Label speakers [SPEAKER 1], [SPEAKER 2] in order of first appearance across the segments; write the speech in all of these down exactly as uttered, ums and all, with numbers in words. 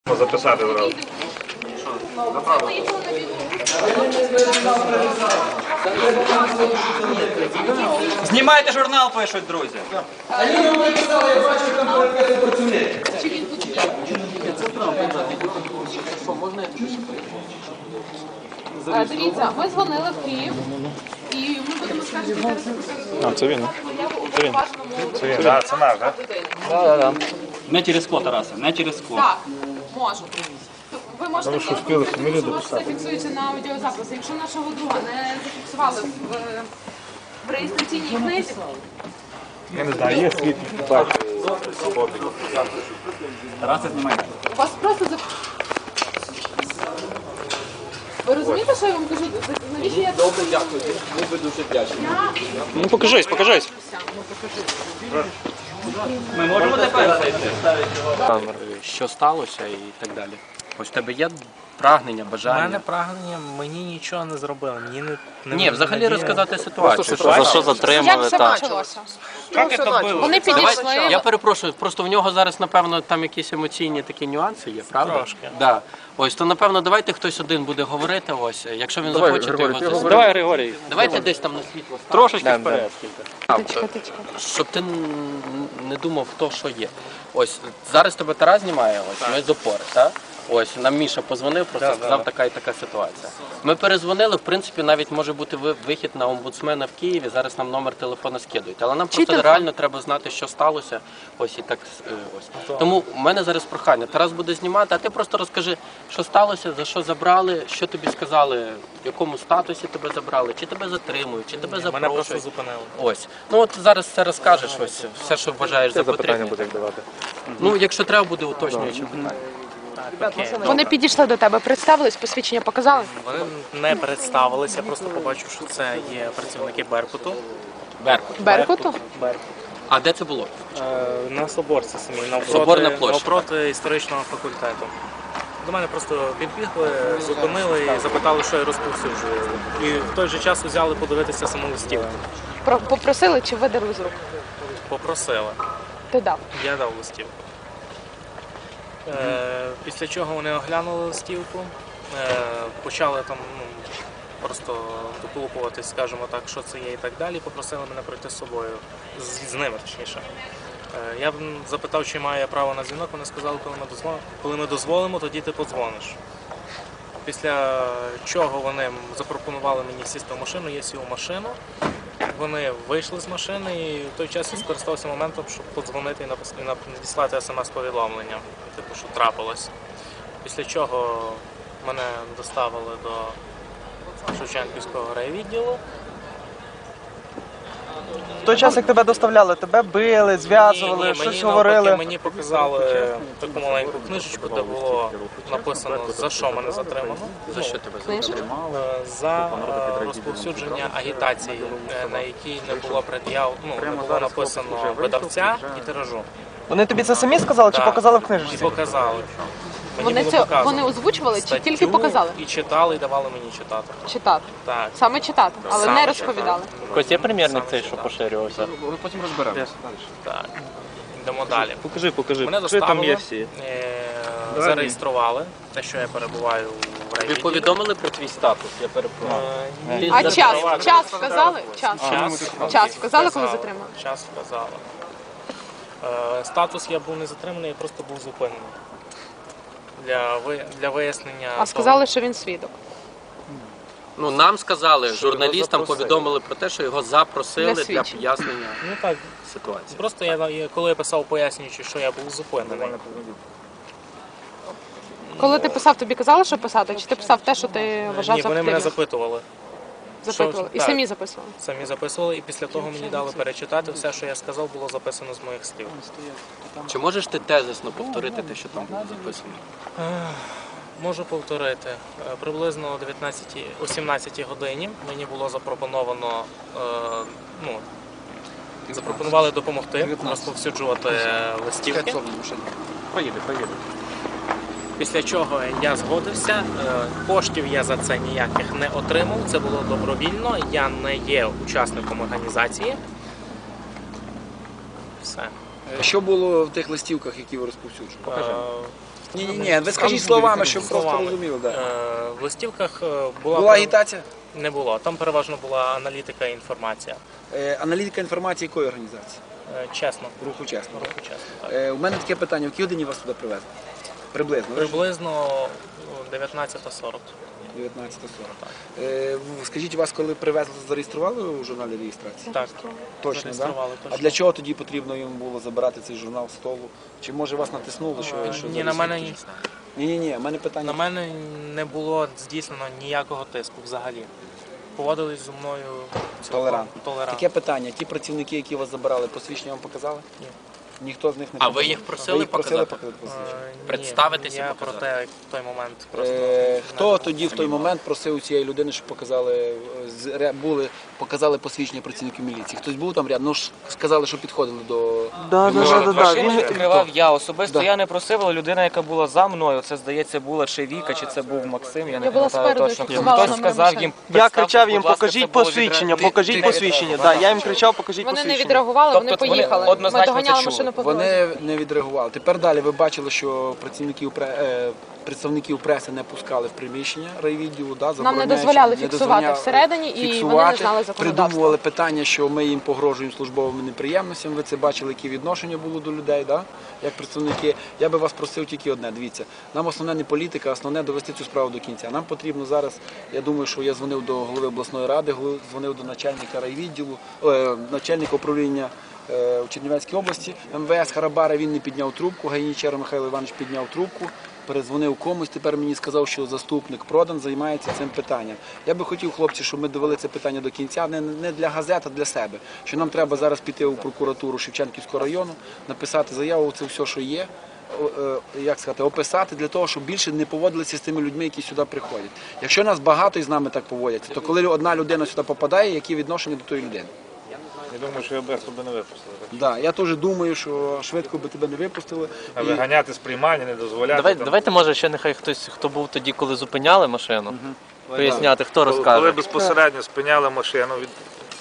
[SPEAKER 1] Записати зразу.
[SPEAKER 2] Знімайте журнал, пишуть, друзі.
[SPEAKER 3] Аліна мені писала, я бачу, там перекати працівник.
[SPEAKER 4] Дивіться, ми дзвонили в Київ і ми будемо скаржити
[SPEAKER 1] А, це він.
[SPEAKER 4] Це він.
[SPEAKER 1] Це він, так, це наш, так?
[SPEAKER 2] Так, так. Не через ко, Тарасе, не через ко.
[SPEAKER 4] Так, можу. Ви можете, ви можете, це фіксується на аудіозаписі. Якщо нашого друга не зафіксували в, в реєстраційній книзі,
[SPEAKER 1] Я не знаю, є світ.
[SPEAKER 2] Тарасе, знімайте.
[SPEAKER 4] вас просто за... Ви розумієте, що я вам кажу? Навіщо я...
[SPEAKER 3] Добре, дякую. Ми би дуже вдячні.
[SPEAKER 1] Ну покажись, покажись.
[SPEAKER 2] Ми можемо тепер зайти?
[SPEAKER 5] Що сталося і так далі. Ось в тебе є прагнення,
[SPEAKER 6] У
[SPEAKER 5] бажання?
[SPEAKER 6] мене прагнення, мені нічого не зробили. Мені не, не
[SPEAKER 5] Ні, взагалі
[SPEAKER 6] не-
[SPEAKER 5] розказати ситуацію.
[SPEAKER 1] За що
[SPEAKER 5] затримали?
[SPEAKER 4] Як це почалося? Вони підійшли.
[SPEAKER 5] Я перепрошую, просто в нього зараз, напевно, там якісь емоційні такі нюанси є, правда?
[SPEAKER 6] Трошки.
[SPEAKER 5] Да. Ось, то, напевно, давайте хтось один буде говорити, ось, якщо він захоче, то його зазвичай.
[SPEAKER 1] Давай, Григорій.
[SPEAKER 5] Давайте десь там на світло.
[SPEAKER 1] Трошечки вперед.
[SPEAKER 5] Щоб ти не думав, хто що є. Ось, зараз тебе Тарас знімає, ось, ми з опори, так? Ось, нам Міша позвонив, просто сказав, така і така ситуація. Ми перезвонили, в принципі, навіть може бути вихід на омбудсмена в Києві, зараз нам номер телефона скидують. Але нам просто реально треба знати, що сталося, ось і так, ось. Тому в мене зараз прохання, Тарас буде знімати, а ти просто розкажи, що сталося, за що забрали, що тобі сказали, в якому статусі тебе забрали, чи тебе затримують, чи тебе
[SPEAKER 6] Мене просто
[SPEAKER 5] запрошують.
[SPEAKER 6] зупинили.
[SPEAKER 5] Ось. Ну от зараз це розкажеш, ось, все, що вважаєш за потрібне.
[SPEAKER 1] буде як давати.
[SPEAKER 5] Ну, якщо треба буде уточнюючи питання.
[SPEAKER 4] Вони підійшли до тебе, представились, посвідчення показали?
[SPEAKER 6] Вони не представилися, я просто побачив, що це є працівники Беркуту.
[SPEAKER 5] Беркут.
[SPEAKER 4] Беркуту?
[SPEAKER 6] Беркут.
[SPEAKER 5] А де це було?
[SPEAKER 6] Е, на Соборці самій,
[SPEAKER 5] Соборна
[SPEAKER 6] навпроти,
[SPEAKER 5] площа.
[SPEAKER 6] навпроти історичного факультету. До мене просто підбігли, зупинили і запитали, що я розповсюджую. І в той же час взяли подивитися саму листівку.
[SPEAKER 4] Про- Попросили чи видали з рук?
[SPEAKER 6] Попросили.
[SPEAKER 4] Ти дав.
[SPEAKER 6] Я дав листівку. Е, після чого вони оглянули листівку, е, почали там ну, просто доколупуватись, скажімо так, що це є і так далі, попросили мене пройти з собою, з, з ними точніше. Е, я запитав, чи маю я право на дзвінок, вони сказали, коли ми, дозволимо, коли ми дозволимо, тоді ти подзвониш. Після чого вони запропонували мені сісти в машину, я сів у машину. Вони вийшли з машини і в той час я скористався моментом, щоб подзвонити і напис- і надіслати смс-повідомлення, типу, що трапилось. Після чого мене доставили до Шевченківського райвідділу.
[SPEAKER 7] В той час, як тебе доставляли, тебе били, зв'язували,
[SPEAKER 6] Ні, ні,
[SPEAKER 7] щось
[SPEAKER 6] мені
[SPEAKER 7] говорили.
[SPEAKER 6] навпаки, мені показали таку маленьку книжечку, де було написано, за що мене затримано.
[SPEAKER 5] За що тебе затримали?
[SPEAKER 6] Е, За е, розповсюдження агітації, е, на якій не було пред'яв, ну, не було написано видавця і тиражу.
[SPEAKER 7] Вони тобі це самі сказали чи
[SPEAKER 6] Так.
[SPEAKER 7] показали в
[SPEAKER 6] І
[SPEAKER 7] книжці?
[SPEAKER 6] показали. Мені
[SPEAKER 4] Вони
[SPEAKER 6] було
[SPEAKER 4] це
[SPEAKER 6] показано.
[SPEAKER 4] вони озвучували чи
[SPEAKER 6] Статтю
[SPEAKER 4] тільки показали?
[SPEAKER 6] І читали, і давали мені читати.
[SPEAKER 4] Читати.
[SPEAKER 6] Так.
[SPEAKER 4] Саме читати, але
[SPEAKER 6] Саме
[SPEAKER 4] не розповідали.
[SPEAKER 5] Ось є примірник
[SPEAKER 6] Саме
[SPEAKER 5] цей, що
[SPEAKER 6] читати.
[SPEAKER 5] поширювався?
[SPEAKER 1] Ми потім розберемо.
[SPEAKER 6] Так. Йдемо далі.
[SPEAKER 1] Покажи, покажи.
[SPEAKER 6] Мене
[SPEAKER 1] Покажи, там є
[SPEAKER 6] доставили,
[SPEAKER 1] всі.
[SPEAKER 6] е, зареєстрували, те, що я перебуваю в
[SPEAKER 5] Тобі
[SPEAKER 6] райвідділі.
[SPEAKER 5] повідомили про твій статус, я перепрошую.
[SPEAKER 6] Е,
[SPEAKER 5] Ти
[SPEAKER 4] А
[SPEAKER 5] зареєстрував-
[SPEAKER 4] час? Час вказали? Час.
[SPEAKER 6] Час,
[SPEAKER 4] Час вказали, коли
[SPEAKER 6] вказали.
[SPEAKER 4] затримали?
[SPEAKER 6] Час вказали. Е, Статус я був не затриманий, я просто був зупинений. Для, ви- для вияснення.
[SPEAKER 4] А сказали, що він свідок.
[SPEAKER 5] Ну, нам сказали, журналістам
[SPEAKER 6] запросили.
[SPEAKER 5] повідомили про те, що його запросили
[SPEAKER 4] Для
[SPEAKER 5] для
[SPEAKER 4] свідчень.
[SPEAKER 5] пояснення
[SPEAKER 6] Ну так,
[SPEAKER 5] ситуації.
[SPEAKER 6] просто я, я- коли я писав пояснюючи, що я був зупинений.
[SPEAKER 4] Коли ти писав, тобі казали, що писати? Чи ти писав те, що ти вважав
[SPEAKER 6] Ні,
[SPEAKER 4] за
[SPEAKER 6] вони мене
[SPEAKER 4] потрібне?
[SPEAKER 6] запитували.
[SPEAKER 4] Запитували. І
[SPEAKER 6] так.
[SPEAKER 4] самі записували.
[SPEAKER 6] Самі записували, і після того мені дали перечитати. Все, що я сказав, було записано з моїх слів.
[SPEAKER 5] Чи можеш ти тезисно повторити те, що там було записано?
[SPEAKER 6] Можу повторити. Е, Приблизно о дев'ятнадцятій, о сімнадцятій годині мені було запропоновано, е, ну, запропонували допомогти розповсюджувати листівки.
[SPEAKER 1] Проїде, проїде.
[SPEAKER 6] Після чого я згодився, е, коштів я за це ніяких не отримав, це було добровільно, я не є учасником організації. Все.
[SPEAKER 3] Що було в тих листівках, які ви розповсюджували?
[SPEAKER 6] Е,
[SPEAKER 3] Ні, ні, ні, ви скажіть словами, щоб просто
[SPEAKER 6] Словами.
[SPEAKER 3] розуміли. Да.
[SPEAKER 6] Е, В листівках е, була,
[SPEAKER 3] Була агітація?
[SPEAKER 6] не було. Там переважно була аналітика і інформація.
[SPEAKER 3] Е, Аналітика інформації якої організації?
[SPEAKER 6] Е, Чесно.
[SPEAKER 3] Руху чесно.
[SPEAKER 6] Руху чесно. Так.
[SPEAKER 3] Е, У мене таке питання, в якій годині вас туди привезли? Приблизно. ви ж-
[SPEAKER 6] Приблизно дев'ятнадцята сорок.
[SPEAKER 3] дев'ятнадцята сорок. Е, в- Скажіть, вас коли привезли, зареєстрували у журналі реєстрації?
[SPEAKER 6] Так,
[SPEAKER 3] Точно, да?
[SPEAKER 6] зареєстрували,
[SPEAKER 3] А
[SPEAKER 6] точно.
[SPEAKER 3] для чого тоді потрібно їм було забирати цей журнал з столу? Чи може вас натиснуло, що,
[SPEAKER 6] Е,
[SPEAKER 3] що
[SPEAKER 6] Ні, на мене,
[SPEAKER 3] Ні, ні, ні, в мене питання.
[SPEAKER 6] на мене не було здійснено ніякого тиску взагалі. Поводились зі мною цілком
[SPEAKER 3] Толерантно.
[SPEAKER 6] толерантно.
[SPEAKER 3] Таке питання, ті працівники, які вас забирали, посвідчення вам показали?
[SPEAKER 6] Ні.
[SPEAKER 3] Ніхто з них не
[SPEAKER 5] А
[SPEAKER 3] показав?
[SPEAKER 5] ви їх просили
[SPEAKER 3] Ви їх просили
[SPEAKER 5] показати?
[SPEAKER 3] показати посвідчення?
[SPEAKER 6] Е, ні,
[SPEAKER 5] Представитися,
[SPEAKER 6] Я
[SPEAKER 5] показати.
[SPEAKER 6] про те, в той момент просто...
[SPEAKER 3] Е, Хто
[SPEAKER 6] не
[SPEAKER 3] тоді в той момент просив у цієї людини, щоб показали, е, з- ре- були, показали посвідчення працівників міліції? Хтось був там рядом? Ну ж сказали, що підходили до...
[SPEAKER 7] Да, да, да, да, да.
[SPEAKER 8] Машину
[SPEAKER 7] Він-
[SPEAKER 8] відкривав я особисто.
[SPEAKER 7] Да.
[SPEAKER 8] Я не просив, але людина, яка була за мною, це здається була чи Віка, чи це був Максим. Я не
[SPEAKER 4] Я була
[SPEAKER 8] пам'ятаю
[SPEAKER 4] спереду,
[SPEAKER 8] точно.
[SPEAKER 4] я фіксувала
[SPEAKER 8] Хтось
[SPEAKER 4] номер
[SPEAKER 8] сказав
[SPEAKER 4] машини.
[SPEAKER 8] їм.
[SPEAKER 7] Я
[SPEAKER 8] «Представте,
[SPEAKER 7] кричав їм,
[SPEAKER 8] будь ласка,
[SPEAKER 7] покажіть
[SPEAKER 8] це було
[SPEAKER 7] посвідчення,
[SPEAKER 8] відре-
[SPEAKER 7] покажіть
[SPEAKER 3] ти-
[SPEAKER 7] посвідчення.
[SPEAKER 3] ти-
[SPEAKER 7] Да, я їм кричав, покажіть
[SPEAKER 4] Вони не
[SPEAKER 7] посвідчення.
[SPEAKER 4] відреагували, вони
[SPEAKER 8] Тобто вони
[SPEAKER 4] поїхали. Ми
[SPEAKER 8] однозначно це
[SPEAKER 4] доганяли
[SPEAKER 8] чули.
[SPEAKER 4] машину по дорозі.
[SPEAKER 3] Вони не відреагували. Тепер далі ви бачили, що працівників пре- е, представників преси не пускали в приміщення райвідділу, да,
[SPEAKER 4] Нам не
[SPEAKER 3] забороняючи,
[SPEAKER 4] дозволяли
[SPEAKER 3] не
[SPEAKER 4] фіксувати
[SPEAKER 3] дозволяли
[SPEAKER 4] всередині, і вони не
[SPEAKER 3] фіксувати.
[SPEAKER 4] знали законодавства.
[SPEAKER 3] Придумували питання, що ми їм погрожуємо службовими неприємностями. Ви це бачили, які відношення було до людей, да, як представники. Я би вас просив тільки одне. Дивіться, нам основне не політика, основне довести цю справу до кінця. Нам потрібно зараз, я думаю, що я дзвонив до голови обласної ради, голов- дзвонив до начальника райвідділу, е, начальника управління е, у Чернівецькій області, ем ве ес Харабара, він не підняв трубку, Гайнічер Михайло Іванович підняв трубку, перезвонив комусь, тепер мені сказав, що заступник Продан займається цим питанням. Я би хотів, хлопці, щоб ми довели це питання до кінця, не, не для газет, а для себе. Що нам треба зараз піти у прокуратуру Шевченківського району, написати заяву, це все, що є, о- е, як сказати, описати для того, щоб більше не поводилися з тими людьми, які сюди приходять. Якщо нас багато і з нами так поводяться, то коли одна людина сюди попадає, які відношення до тої людини?
[SPEAKER 1] Я думаю, що я без тебе не випустили.
[SPEAKER 3] Да, я теж думаю, що швидко би тебе не випустили.
[SPEAKER 1] А
[SPEAKER 3] І-
[SPEAKER 1] виганяти з приймання, не дозволяти.
[SPEAKER 5] Давай,
[SPEAKER 1] там.
[SPEAKER 5] давайте, може, ще нехай хтось, хто був тоді, коли зупиняли машину, поясняти, хто
[SPEAKER 1] Коли-
[SPEAKER 5] розкаже.
[SPEAKER 1] Коли безпосередньо спиняли машину, від...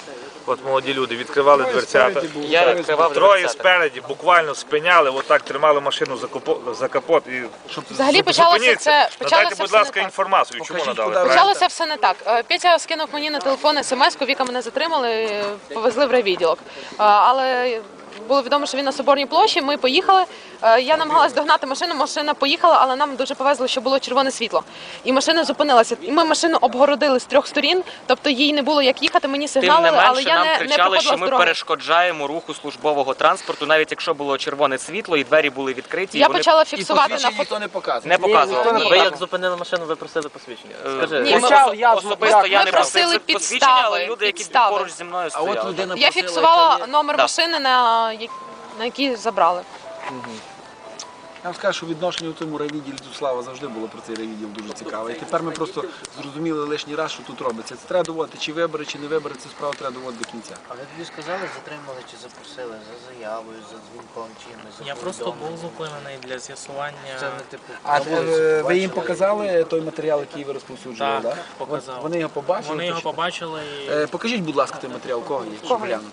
[SPEAKER 1] от молоді люди відкривали дверцята.
[SPEAKER 5] Я відкривав
[SPEAKER 1] Троє
[SPEAKER 5] дверцята.
[SPEAKER 1] спереді буквально спиняли, отак тримали машину за капот, за капот і
[SPEAKER 4] Взагалі почалося
[SPEAKER 1] зупиніться.
[SPEAKER 4] це- почалося
[SPEAKER 1] Надайте, будь
[SPEAKER 4] все не
[SPEAKER 1] ласка,
[SPEAKER 4] так.
[SPEAKER 1] інформацію. Чому
[SPEAKER 3] Покажіть,
[SPEAKER 1] надали?
[SPEAKER 3] куди
[SPEAKER 1] правильно?
[SPEAKER 4] Почалося все не так. Е, Петя скинув мені на телефон смс-ку, Віка мене затримали, е, повезли в райвідділок. Е, Але було відомо, що він на Соборній площі, ми поїхали. Е, Я намагалась догнати машину, машина поїхала, але нам дуже повезло, що було червоне світло. І машина зупинилася. І ми машину обгородили з трьох сторін, тобто їй не було як їхати, мені
[SPEAKER 8] Тим не
[SPEAKER 4] сигналили, але
[SPEAKER 8] менше
[SPEAKER 4] я
[SPEAKER 8] нам
[SPEAKER 4] не, не
[SPEAKER 8] кричали,
[SPEAKER 4] проходила
[SPEAKER 8] що
[SPEAKER 4] з
[SPEAKER 8] ми
[SPEAKER 4] дороги.
[SPEAKER 8] перешкоджаємо руху службового транспорту, навіть якщо було червоне світло і двері були відкриті. і
[SPEAKER 4] Я
[SPEAKER 8] вони
[SPEAKER 4] почала
[SPEAKER 3] І
[SPEAKER 4] фіксувати на
[SPEAKER 3] посвідчення
[SPEAKER 4] фото.
[SPEAKER 3] ніхто не показує.
[SPEAKER 8] не показували.
[SPEAKER 4] Ні.
[SPEAKER 5] Ви як зупинили машину, ви просили посвідчення? Скажи.
[SPEAKER 4] Ні, ми-
[SPEAKER 8] Особисто
[SPEAKER 7] я-
[SPEAKER 8] особисто я
[SPEAKER 4] ми
[SPEAKER 8] не
[SPEAKER 4] просили
[SPEAKER 8] просив
[SPEAKER 4] підстави,
[SPEAKER 8] посвідчення, але люди, які
[SPEAKER 4] підстави.
[SPEAKER 8] поруч зі мною
[SPEAKER 3] А от
[SPEAKER 8] стояли.
[SPEAKER 3] людина
[SPEAKER 4] Я
[SPEAKER 3] просила,
[SPEAKER 4] фіксувала
[SPEAKER 3] яка є-
[SPEAKER 4] номер
[SPEAKER 8] Да.
[SPEAKER 4] машини, на, як- на якій забрали.
[SPEAKER 3] Я вам скажу, що відношення у тому райвідділі до Слава завжди було про цей райвідділ дуже цікаве. І тепер ми просто зрозуміли лишній раз, що тут робиться. Це треба доводити, чи вибори, чи не вибори, цю справу треба доводити до кінця.
[SPEAKER 9] Але тобі сказали, затримали чи запросили за заявою, за дзвінком чимось, за
[SPEAKER 6] Я просто
[SPEAKER 9] повідомленням?
[SPEAKER 6] був зупинений для з'ясування.
[SPEAKER 9] Це не типу.
[SPEAKER 3] А
[SPEAKER 9] на вулиці
[SPEAKER 3] е, ви їм
[SPEAKER 9] побачили?
[SPEAKER 3] показали той матеріал, який ви розповсюджували?
[SPEAKER 6] Так,
[SPEAKER 3] да?
[SPEAKER 6] показав.
[SPEAKER 3] От Вони його побачили?
[SPEAKER 6] Вони його
[SPEAKER 3] точно?
[SPEAKER 6] побачили і
[SPEAKER 3] Е, Покажіть, будь ласка, той матеріал, кого є? Щоб глянути.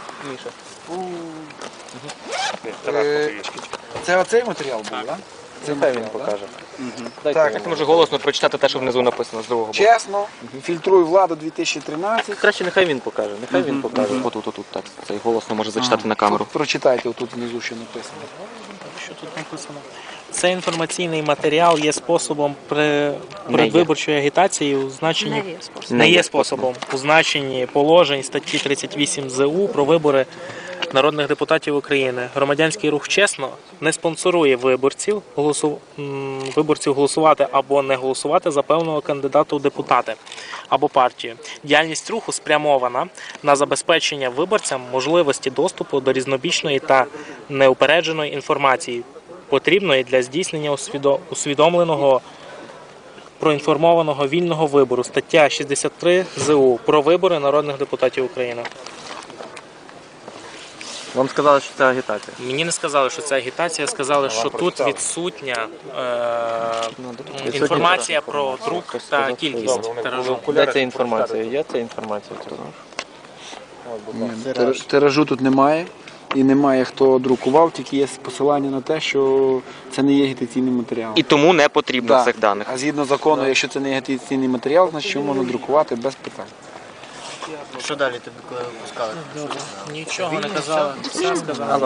[SPEAKER 3] Е, Це оцей матеріал був, так? Це матеріал, він покаже. Так,
[SPEAKER 8] Так, може голосно прочитати те, що внизу написано з другого боку.
[SPEAKER 3] чесно, фільтруй владу дві тисячі тринадцять.
[SPEAKER 5] Краще нехай він покаже, нехай він покаже.
[SPEAKER 8] Отут, отут, так. Цей голосно може зачитати на камеру.
[SPEAKER 3] Прочитайте отут внизу, що написано.
[SPEAKER 6] що тут написано? Цей інформаційний матеріал є способом при передвиборчої агітації у значенні
[SPEAKER 4] Не є способом.
[SPEAKER 6] не є способом у значенні положень статті тридцять вісім зе у про вибори народних депутатів України. Громадянський рух «Чесно» не спонсорує виборців, голосу... м, виборців голосувати або не голосувати за певного кандидата у депутати або партію. Діяльність руху спрямована на забезпечення виборцям можливості доступу до різнобічної та неупередженої інформації, потрібної для здійснення усвідо- усвідомленого проінформованого вільного вибору. Стаття шістдесят три зе у про вибори народних депутатів України.
[SPEAKER 5] Вам сказали, що це агітація.
[SPEAKER 6] Мені не сказали, що це агітація, сказали, що тут відсутня е, інформація про друк та кількість тиражу.
[SPEAKER 5] Де ця інформація? Є ця інформація? Ти знаєш?
[SPEAKER 3] Тир- Тиражу тут немає. і немає хто друкував, тільки є посилання на те, що це не є агітаційний матеріал.
[SPEAKER 8] І тому не потрібно
[SPEAKER 3] Да.
[SPEAKER 8] цих даних.
[SPEAKER 3] А згідно закону, якщо це не агітаційний матеріал, значить його можна друкувати без питань.
[SPEAKER 9] Що далі тобі коли випускали?
[SPEAKER 6] Нічого не казали, все сказали.